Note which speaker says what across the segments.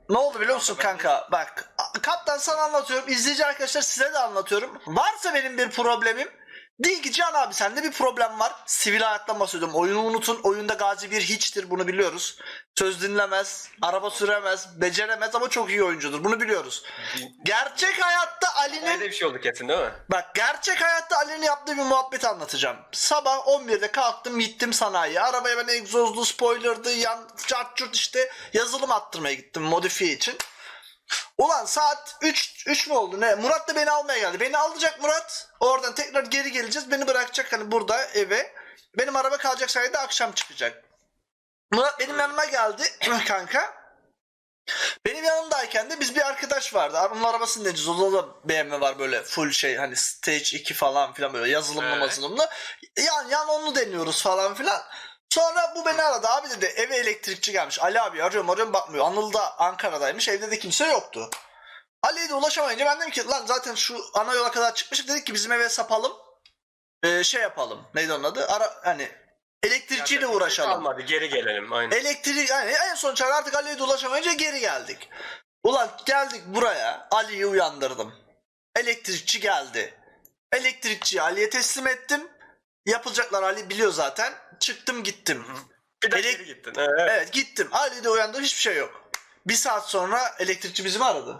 Speaker 1: ne oldu biliyor musun kanka? Bak kaptan sana anlatıyorum. İzleyici arkadaşlar size de anlatıyorum. Varsa benim bir problemim. Değil ki Can abi sende bir problem var. Sivil hayattan bahsediyorum. Oyunu unutun. Oyunda Gazi bir hiçtir. Bunu biliyoruz. Söz dinlemez. Araba süremez. Beceremez ama çok iyi oyuncudur. Bunu biliyoruz. Gerçek hayatta
Speaker 2: Öyle
Speaker 1: Ali'nin...
Speaker 2: bir şey oldu kesin değil mi?
Speaker 1: Bak gerçek hayatta Ali'nin yaptığı bir muhabbet anlatacağım. Sabah 11'de kalktım gittim sanayiye. Arabaya ben egzozlu, spoilerdı, yan cart curt işte yazılım attırmaya gittim modifiye için. Ulan saat 3 mü oldu ne? Murat da beni almaya geldi. Beni alacak Murat. Oradan tekrar geri geleceğiz. Beni bırakacak hani burada eve. Benim araba kalacak sayede akşam çıkacak. Murat benim yanıma geldi kanka. Benim yanımdayken de biz bir arkadaş vardı. Onun arabasını deneyeceğiz. O da BMW var böyle full şey hani Stage 2 falan filan böyle yazılımlı
Speaker 2: Evet.
Speaker 1: mazılımlı. Yan onu deniyoruz falan filan. Sonra bu beni aradı. Abi dedi eve elektrikçi gelmiş. Ali abi arıyorum bakmıyor. Anıl da Ankara'daymış. Evde de kimse yoktu. Ali'ye de ulaşamayınca ben dedim ki lan zaten şu ana yola kadar çıkmıştık. Dedik ki bizim eve sapalım. Şey yapalım. Neydi onun adı? Hani elektrikçiyle
Speaker 2: Yapacak bir şey
Speaker 1: uğraşalım.
Speaker 2: kalmadı, geri gelelim. Aynen.
Speaker 1: Elektrik yani en son çare artık Ali'ye de ulaşamayınca geri geldik. Ulan geldik buraya. Ali'yi uyandırdım. Elektrikçi geldi. Elektrikçiyi Ali'ye teslim ettim. Yapılacaklar Ali biliyor zaten. Çıktım gittim.
Speaker 2: Bir de
Speaker 1: Elek-
Speaker 2: geri gittin. Evet.
Speaker 1: Evet gittim. Ali de uyandı hiçbir şey yok. Bir saat sonra elektrikçi bizi mi aradı?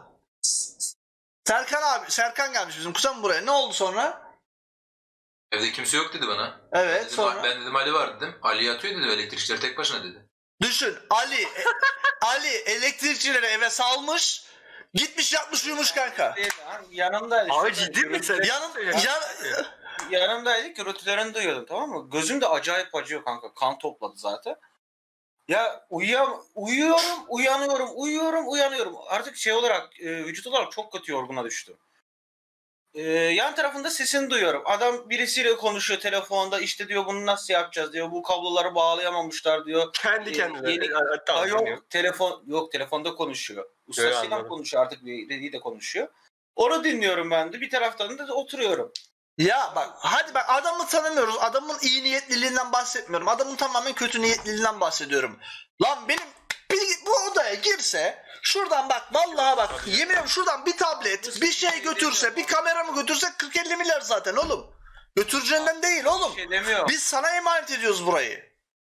Speaker 1: Serkan gelmiş bizim kuzen buraya. Ne oldu sonra?
Speaker 3: Evde kimse yok dedi bana.
Speaker 1: Evet
Speaker 3: Dedim,
Speaker 1: sonra.
Speaker 3: ben dedim Ali var dedim. Ali yatıyor dedim, elektrikçiler tek başına dedi.
Speaker 1: Düşün Ali elektrikçileri eve salmış. Gitmiş yatmış uyumuş kanka.
Speaker 4: Yanımdaydı.
Speaker 2: Abi ciddi misin?
Speaker 4: Yanımdaydı, gürültülerini duyuyordum, tamam mı? Gözüm de acayip acıyor kanka. Kan topladı zaten. Ya uyanıyorum. Artık şey olarak, vücut olarak çok kötü yorguna düştüm. Yan tarafında sesini duyuyorum. Adam birisiyle konuşuyor telefonda. İşte diyor bunu nasıl yapacağız diyor. Bu kabloları bağlayamamışlar diyor.
Speaker 2: Kendi kendine.
Speaker 4: Yeni-
Speaker 2: Tamam,
Speaker 4: yok telefonda konuşuyor. Ustasıyla
Speaker 2: anladım.
Speaker 4: konuşuyor, artık biriyle de konuşuyor. Onu dinliyorum ben de. Bir taraftan da oturuyorum.
Speaker 1: Ya bak hadi bak adamı tanımıyoruz. Adamın iyi niyetliliğinden bahsetmiyorum. Adamın tamamen kötü niyetliliğinden bahsediyorum. Lan benim bu odaya girse şuradan bak vallahi bak yemin ediyorum şuradan bir tablet bir şey götürse bir kamera mı götürse 40-50 milyar zaten oğlum. Götüreceğinden değil oğlum.
Speaker 4: Bir şey demiyorum.
Speaker 1: Biz sana emanet ediyoruz burayı.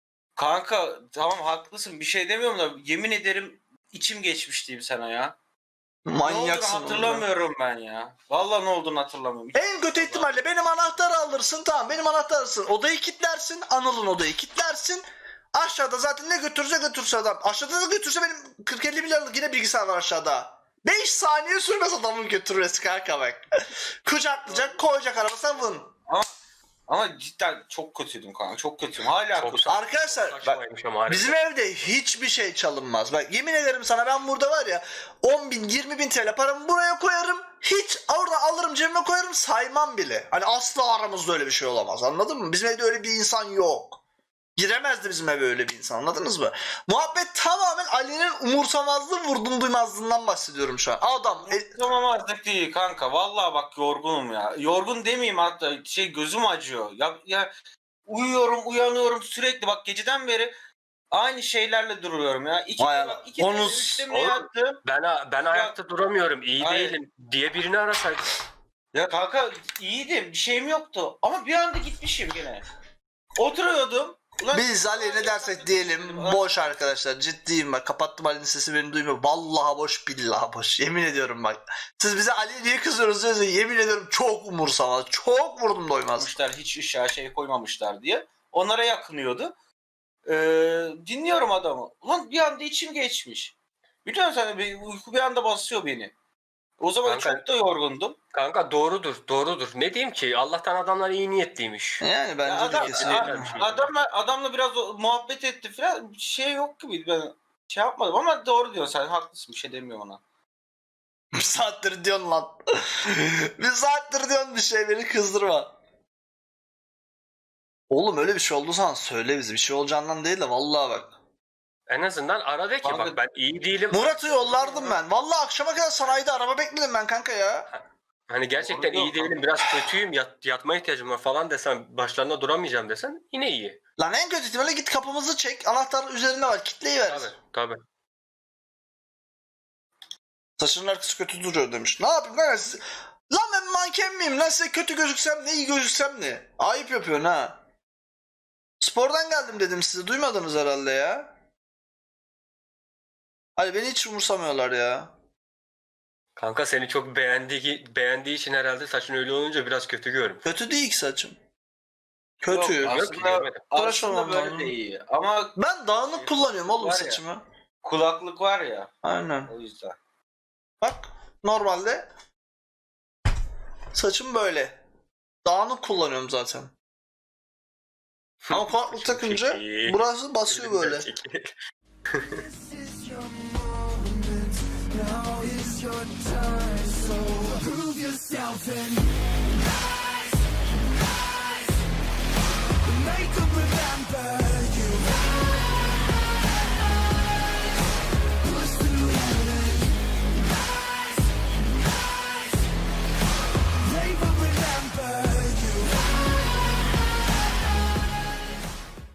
Speaker 4: Kanka tamam haklısın, bir şey demiyorum da yemin ederim içim geçmiş diyeyim sana ya. Ne
Speaker 1: Manyaksın.
Speaker 4: olduğunu hatırlamıyorum ben ya. Vallahi ne olduğunu hatırlamıyorum.
Speaker 1: En kötü ihtimalle benim anahtarı alırsın tamam benim anahtarı alırsın. Odayı kilitlersin Anıl'ın odayı kilitlersin. Aşağıda zaten ne götürse adam. Aşağıda da götürse benim 40-50 milyarlık yine bilgisayar var aşağıda. 5 saniye sürmez adamın götürmesi kanka bak. Kucaklayacak koyacak arabasına vın.
Speaker 4: Ama cidden çok kötüydüm kanka. Çok kötüyüm. Hala
Speaker 2: Çok
Speaker 4: kötü.
Speaker 1: Arkadaşlar bak
Speaker 2: Saçmaymış ama harika.
Speaker 1: bizim evde hiçbir şey çalınmaz. Bak yemin ederim sana ben burada var ya 10 bin 20 bin TL paramı buraya koyarım. Hiç orada alırım cebime koyarım saymam bile. Hani asla aramızda öyle bir şey olamaz anladın mı? Bizim evde öyle bir insan yok. Giremezdi bizim eve öyle bir insan anladınız mı? Muhabbet tamamen Ali'nin umursamazlığı vurdum duymazlığından bahsediyorum şu an. Adam
Speaker 4: Tamamazlık değil kanka. Vallahi bak yorgunum ya. Yorgun demeyeyim, hatta gözüm acıyor. Ya uyanıyorum sürekli, bak geceden beri aynı şeylerle duruyorum ya.
Speaker 1: Vay Allah.
Speaker 4: İki
Speaker 1: Onu-
Speaker 4: üçte mi
Speaker 2: Oğlum,
Speaker 4: yattım?
Speaker 2: Ben ayakta duramıyorum. İyi
Speaker 4: Hayır.
Speaker 2: değilim diye birini arasaydın.
Speaker 4: Ya kanka iyiydim. Bir şeyim yoktu. Ama bir anda gitmişim gene. Oturuyordum. Ulan,
Speaker 1: biz Ali ne dersek diyelim boş arkadaşlar ciddiyim bak kapattım Ali'nin sesi beni duymuyor. Vallahi boş billahi boş yemin ediyorum bak. Siz bize Ali niye kızıyorsunuz diyorsunuz yemin ediyorum çok umursamaz çok vurdum doymaz.
Speaker 4: koymuşlar, hiç ışığa şey koymamışlar diye. Onlara yakınıyordu. Dinliyorum adamı. Ulan bir anda içim geçmiş. Biliyor musun sen, uyku bir anda basıyor beni. O zaman
Speaker 2: Kanka-
Speaker 4: çok da yorgundum.
Speaker 2: Kanka doğrudur. Ne diyeyim ki? Allah'tan adamlar iyi niyetliymiş.
Speaker 1: Yani bence de
Speaker 4: Adam-
Speaker 1: kesinlikle.
Speaker 4: Adamla biraz muhabbet etti falan. Bir şey yok gibi, ben şey yapmadım ama doğru diyorsun, sen haklısın, bir şey demiyorum ona.
Speaker 1: Bir saattir diyorsun lan. Bir saattir diyorsun bir şey beni kızdırma. Oğlum öyle bir şey oldu sana söyle bize. Bir şey olacağından değil de vallahi bak.
Speaker 2: En azından ara de ki
Speaker 4: Kanka-
Speaker 2: bak ben iyi değilim.
Speaker 1: Murat'ı yollardım ben. Vallahi akşama kadar sanayide araba bekledim ben kanka ya.
Speaker 2: Hani gerçekten
Speaker 4: Doğru
Speaker 2: iyi
Speaker 4: diyor
Speaker 2: değilim, biraz kötüyüm, yatma ihtiyacım var falan desen, başlarına duramayacağım desen yine iyi.
Speaker 1: Lan en kötü ihtimalle git kapımızı çek. Anahtar üzerinde var. Kitleyi ver.
Speaker 2: Tabii.
Speaker 1: Saçının arkası kötü duruyor demiş. Ne yapayım kanka siz... Lan ben manken miyim? Lan size kötü gözüksem ne, iyi gözüksem ne? Ayıp yapıyorsun ha. Spordan geldim dedim size. Duymadınız herhalde ya. Hani beni hiç umursamıyorlar ya.
Speaker 2: Kanka seni çok beğendiği için herhalde saçın öyle olunca biraz kötü görmüş.
Speaker 1: Kötü değil ki saçım. Kötü.
Speaker 4: Yok,
Speaker 2: Yok ki, görmedim.
Speaker 1: Tıraş
Speaker 4: aslında
Speaker 1: olmam
Speaker 4: böyle
Speaker 1: lazım.
Speaker 4: de iyi. Ama
Speaker 1: Ben dağınık kullanıyorum oğlum
Speaker 4: Var ya.
Speaker 1: saçımı.
Speaker 4: kulaklık var ya,
Speaker 1: Aynen.
Speaker 4: o yüzden.
Speaker 1: Bak normalde saçım böyle. Dağınık kullanıyorum zaten. Ama kulaklık takınca
Speaker 2: Peki.
Speaker 1: burası basıyor böyle.
Speaker 5: This is your moment. Now is your time. So prove yourself and